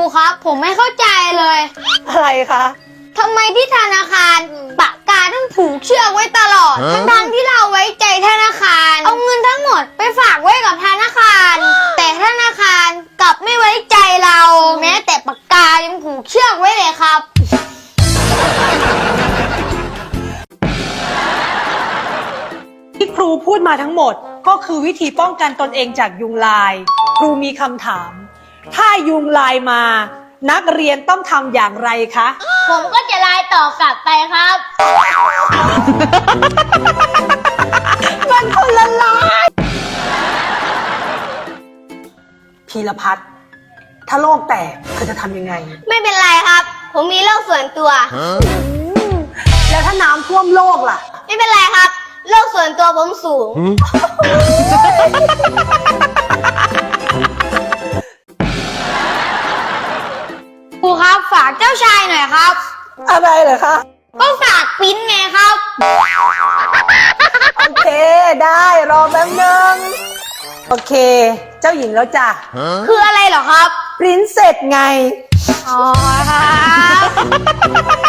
ครับผมไม่เข้าใจเลยอะไรคะทำไมที่ธนาคารปากกาต้องผูกเชือกไว้ตลอดทั้งๆที่เราไว้ใจธนาคารเอาเงินทั้งหมดไปฝากไว้กับธนาคาร แต่ธนาคารกลับไม่ไว้ใจเรา แม้แต่ปากกายังผูกเชือกไว้เลยครับที่ครูพูดมาทั้งหมดก็คือวิธีป้องกันตนเองจากยุงลาย ครูมีคำถาม ถ้ายุงลายมา นักเรียนต้องทำอย่างไรคะผมก็จะไลน์ตอบกลับไปครับมันคนละลายพีรพัฒน์ถ้าโลกแตกเธอจะทำยังไงไม่เป็นไรครับ ผมมีโรคส่วนตัวแล้วถ้าน้ำท่วมโลกล่ะไม่เป็นไรครับโรคส่วนตัวผมสูง ครูครับฝากเจ้าชายหน่อยครับอะไรเหรอคะก็ฝากปริ้นไงครับโอเคได้รอแป๊บนึงโอเค เจ้าหญิงแล้วจ้ะคืออะไรเหรอครับปริ้นเสร็จไงอ๋อครับ